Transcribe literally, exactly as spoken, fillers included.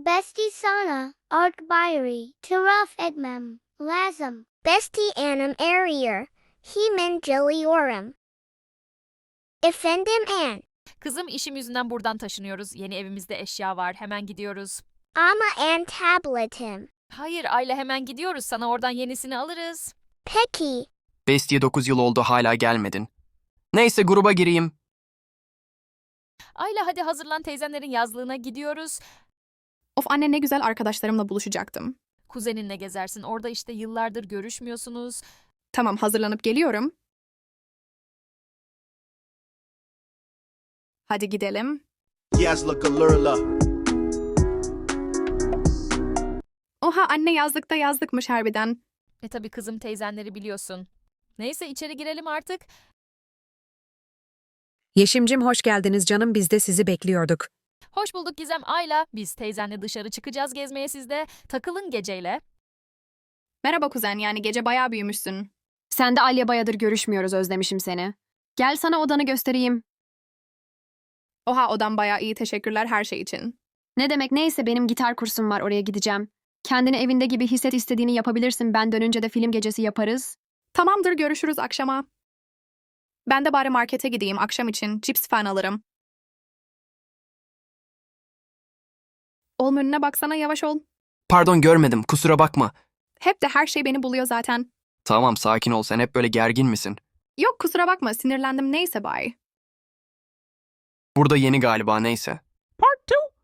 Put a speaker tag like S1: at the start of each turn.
S1: Bestie sana, art bayri, taraf etmem, lazım. Bestie anam arıyor, hemen geliyorum. Efendim an.
S2: Kızım işim yüzünden buradan taşınıyoruz. Yeni evimizde eşya var. Hemen gidiyoruz.
S1: Ama an tabletim.
S2: Hayır Ayla hemen gidiyoruz. Sana oradan yenisini alırız.
S1: Peki.
S3: Bestiye dokuz yıl oldu hala gelmedin. Neyse gruba gireyim.
S2: Ayla hadi hazırlan teyzenlerin yazlığına gidiyoruz.
S4: Of anne ne güzel arkadaşlarımla buluşacaktım.
S2: Kuzeninle gezersin. Orada işte yıllardır görüşmüyorsunuz.
S4: Tamam hazırlanıp geliyorum. Hadi gidelim.
S5: Yazlık alırla.
S4: Oha anne yazlıkta yazlıkmış harbiden.
S2: E tabii kızım teyzenleri biliyorsun. Neyse içeri girelim artık.
S6: Yeşimcim hoş geldiniz canım, biz de sizi bekliyorduk.
S2: Hoş bulduk Gizem, Ayla. Biz teyzenle dışarı çıkacağız gezmeye sizde. Takılın geceyle.
S4: Merhaba kuzen, yani gece bayağı büyümüşsün.
S7: Sen de Alya bayadır görüşmüyoruz, özlemişim seni. Gel sana odanı göstereyim.
S4: Oha odam bayağı iyi, teşekkürler her şey için.
S7: Ne demek, neyse benim gitar kursum var, oraya gideceğim. Kendini evinde gibi hisset, istediğini yapabilirsin. Ben dönünce de film gecesi yaparız.
S4: Tamamdır, görüşürüz akşama. Ben de bari markete gideyim, akşam için cips falan alırım. Oğlum önüne baksana, yavaş ol.
S3: Pardon görmedim kusura bakma.
S4: Hep de her şey beni buluyor zaten.
S3: Tamam sakin ol, sen hep böyle gergin misin?
S4: Yok kusura bakma, sinirlendim, neyse bye.
S3: Burada yeni galiba, neyse.